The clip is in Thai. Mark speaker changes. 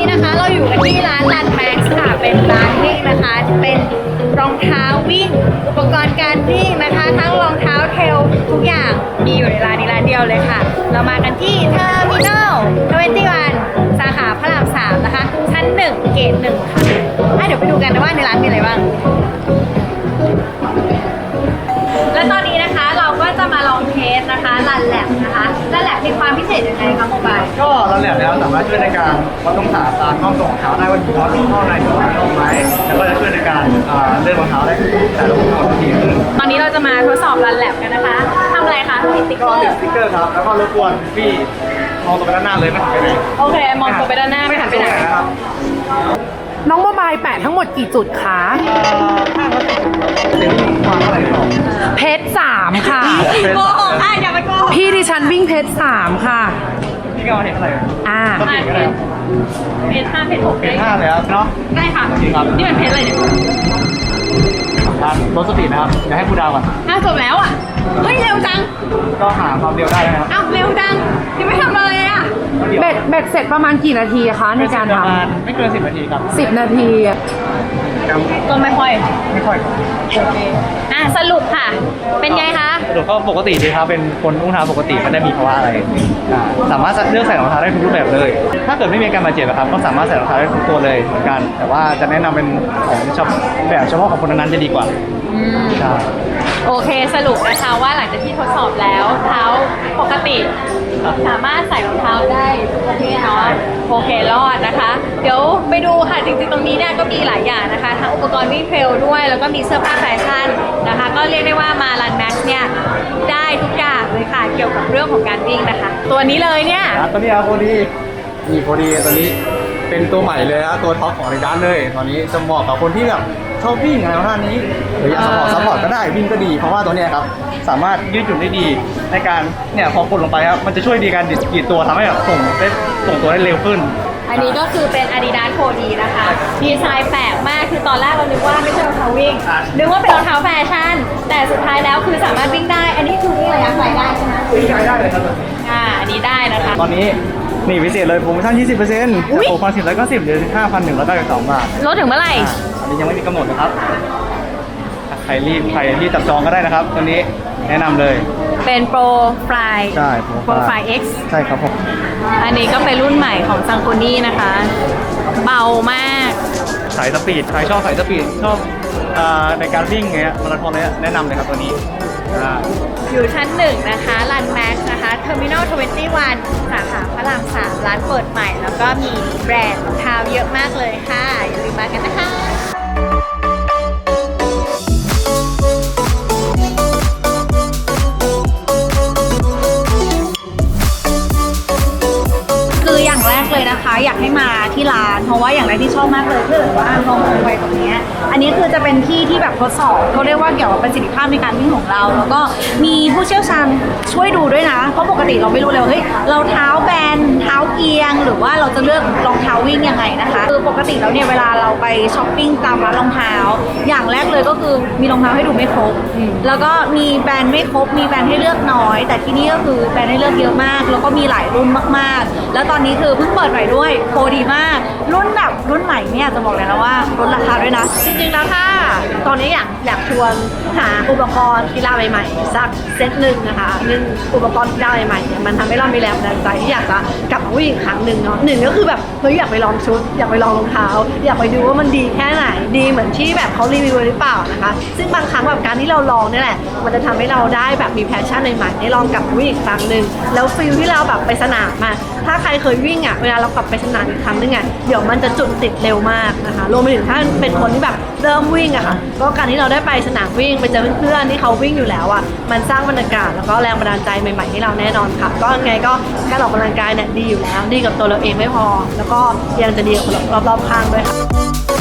Speaker 1: นะคะเราอยู่กันที่ร้านรันแม็กซ์ค่ะเป็นร้านวิ่งนะคะเป็นรองเท้าวิ่งอุปกรณ์การวิ่งนะคะทั้งรองเท้าเทรลทุกอย่างมีอยู่ในร้านนี้ร้านเดียวเลยค่ะเรามากันที่เทอร์มินอล21สาขาพระราม3นะคะชั้น1เกต1ค่ะเดี๋ยวไปดูกันนะว่าในร้านมีอะไรบ้างและตอนนี้นะคะเราก็จะมาลองเทสนะคะรันแลบนะคะรันแลบมีความพิเศษยังไงคะโมบาย
Speaker 2: ก็เราแลบแล้วสามารถช่วยในการวัดองศาตามข้อตรงของเท้าได้ว่ามีข้อตรงข้อในหรือว่าตรงไหมแล้วก็จะช่วยในการเลื่อนรองเท้าได้แต่ละคนทีขึ้น
Speaker 1: ตอนนี้เราจะมาทดสอบรันแลบกันนะคะทำอะไรคะติดสติ๊กเกอร์
Speaker 2: ติดสติ๊กเกอร์ครับแล้วก็รบกวนพี่มองตัวไปด้านหน้าเลยไม่หันไปไหน
Speaker 1: โอเคมองตัวไปด้านหน้าไม่หันไปไหน
Speaker 2: นะครับ
Speaker 3: น้องโมบายแปะทั้งหมดกี่จุดคะ
Speaker 2: เดี๋ยวความเท่าไหร่ต่อ
Speaker 3: เพชร3ค่ะ
Speaker 1: โกหกอย่าไปโกหก
Speaker 3: พี่ดิฉันวิ่งเพชร3ค่ะ
Speaker 2: พี่ก็เห็นเท่าไหร่ก็เห็นก็ได้
Speaker 1: เพชร5เพชร6
Speaker 2: เพชร5เลยครับเนาะ
Speaker 1: ได้ค่ะนี่เป็นเพชรอะไรเนี่ย
Speaker 2: รถสปีดนะครับเดี๋ยวให้ผู้ดาวก่อน
Speaker 1: จบแล้วอ่ะเฮ้ยเร็วจัง
Speaker 2: ก็หาความเร็วได้นะครับ
Speaker 1: เร็วจังยังไม่ทำอะไรอ่ะ
Speaker 3: เบ็ดเสร็จประมาณกี่นาทีคะในการท
Speaker 2: ำไม่เกิน10 นาทีครับ
Speaker 3: 10 นาที
Speaker 1: ก็ไม่ค่อย
Speaker 2: โอเค
Speaker 1: สรุปค่ะเป็นไงคะ
Speaker 2: สรุปก็ปกติดีครับเป็นคนอุ้งเท้าปกติไม่ได้มีภาวะอะไรสามารถเลือกใส่รองเท้าได้ทุกรูปแบบเลยถ้าเกิดไม่มีการบาดเจ็บครับก็สามารถใส่รองเท้าได้ทุกตัวเลยเหมือนกันแต่ว่าจะแนะนำเป็นของแบบเฉพาะของคนนั้นจะดีกว่าใช่
Speaker 1: โอเคสรุปนะคะว่าหลังจากที่ทดสอบแล้วเท้าปกติสามารถใส่รองเท้าได้ทุกประเภทเนาะโอเครอดนะคะเดี๋ยวไปดูค่ะจริงๆตรงนี้เนี่ยก็มีหลายอย่างนะคะทั้งอุปกรณ์วิ่งเทรลด้วยแล้วก็มีเสื้อผ้าแฟชั่นนะคะก็เรียกได้ว่ามารันแม็กซ์เนี่ยได้ทุกอย่างเลยค่ะเกี่ยวกับเรื่องของการวิ่งนะคะตัวนี้เลยเนี่ย
Speaker 2: ตัวนี้โคดีนี่โคดีตัวนี้เป็นตัวใหม่เลยนะตัวท็อปของในร้านเลยตอนนี้จะเหมาะกับคนที่แบบชอบวิ่งอะไรท่านี้หรืออยากซัพพอร์ตก็ได้วิ่งก็ดีเพราะว่าตัวนี้ครับสามารถยืดหยุ่นได้ดีในการเนี่ยพอกดลงไปครับมันจะช่วยดีการดีดตัวทำให้แบบส่งตัวได้เร็วขึ้น
Speaker 1: อันนี้ก็คือเป็น Adidas Cody นะคะดีไซน์แปลกมากคือตอนแรกเรานึกว่าไม่ใช่รองเท้าวิ่งนึกว่าเป็นรองเท้าแฟชั่นแต่สุดท้ายแล้วคือสามารถวิ่งได้อันนี้คือวิ่งระยะไกลได้ใช่ไหม
Speaker 2: วิ่งไกลได้เลยครับ
Speaker 1: อันนี้ได้นะคะ
Speaker 2: ตอนนี้นี่พิเศษเลยโปรโมชั่น 20%จาก6,190เหลือ 5,192 บาท
Speaker 1: ลดถึงเมื่อไหร่
Speaker 2: อันนี้ยังไม่มีกำหนดนะครับใครรีบจับจองก็ได้นะครับตัวนี้แนะนำเลย
Speaker 1: เป็นโปรไฟล์
Speaker 2: ใช่
Speaker 1: โปรไฟล์ X
Speaker 2: ใช่ครับผม
Speaker 1: อันนี้ก็เป็นรุ่นใหม่ของซังโคนี่นะคะเบามาก
Speaker 2: สายสปีดใครชอบสายสปีดชอบในการวิ่งเงี้ยมาราธอนเนี่ยแนะนำเลยครับตัวนี้
Speaker 1: อยู่ชั้น1นะคะรันแม็กซ์นะคะเทอร์มินอล21สาขาพระราม3ร้านเปิดใหม่แล้วก็มีแบรนด์รองเท้าเยอะมากเลยค่ะอย่าลืมมากันนะคะเลยนะคะอยากให้มาที่ร้านเพราะว่าอย่างแรกที่ชอบมากเลยคือว่าลองไปตรงนี้อันนี้คือจะเป็นที่ที่แบบทดสอบเขาเรียกว่าเกี่ยวกับประสิทธิภาพในการวิ่งของเราแล้วก็มีผู้เชี่ยวชาญช่วยดูด้วยนะเพราะปกติเราไม่รู้เลยว่าเฮ้ยเราเท้าแบนเท้าเอียงหรือว่าเราจะเลือกรองเท้าวิ่งยังไงนะคะคือปกติแล้วเนี่ยเวลาเราไปช้อปปิ้งตามร้านรองเท้าอย่างแรกเลยก็คือมีรองเท้าให้ดูไม่ครบแล้วก็มีแบรนด์ไม่ครบมีแบรนด์ให้เลือกน้อยแต่ที่นี่ก็คือแบรนด์ให้เลือกเยอะมากแล้วก็มีหลายรุ่นมากๆแล้วตอนนี้คือเพิ่งเปิดใหม่ด้วยโปรดีมากรุ่นแบบรุ่นใหม่เนี่ยจะบอกเลยนะว่าลดราคาด้วยนะจริงๆแล้วถ้าตอนนี้อยากชวนหาอุปกรณ์กีฬาใหม่ๆสักเซตหนึ่งนะคะอุปกรณ์กีฬาใหม่ๆเนี่ยมันทำให้เรามีแรงบันดาลใจที่อยากจะกลับมาวิ่งอีกครั้งหนึ่งเนาะหนึ่งก็คือแบบเฮ้ยอยากไปลองชุดอยากไปลองรองเท้าอยากไปดูว่ามันดีแค่ไหนดีเหมือนที่แบบเขารีวิวหรือเปล่านะคะซึ่งบางครั้งแบบการที่เราลองนี่แหละมันจะทำให้เราได้แบบมีแพชชั่นใหม่ๆได้ลองกลับมาวิ่งอีกครั้งหนึ่งแล้วฟีลที่เราแบบไปสนามมาถ้าใครเคยวิ่งอ่ะเวลาเรากลับไปสนามอีกครั้งนึงอ่ะเดี๋ยวมันจะจุดติดเร็วมากนะคะรวมไปถึงถ้าเป็นคนที่แบบเริ่มวิ่งอะค่ะก็การที่เราได้ไปสนามวิ่งไปเจอเพื่อนๆที่เขาวิ่งอยู่แล้วอ่ะมันสร้างบรรยากาศแล้วก็แรงบันดาลใจใหม่ๆให้เราแน่นอนค่ะก็ไงก็การออกกำลังกายเนี่ยดีอยู่แล้วดีกับตัวเราเองไม่พอแล้วก็ยังจะดีกับคนรอบๆข้างด้วยค่ะ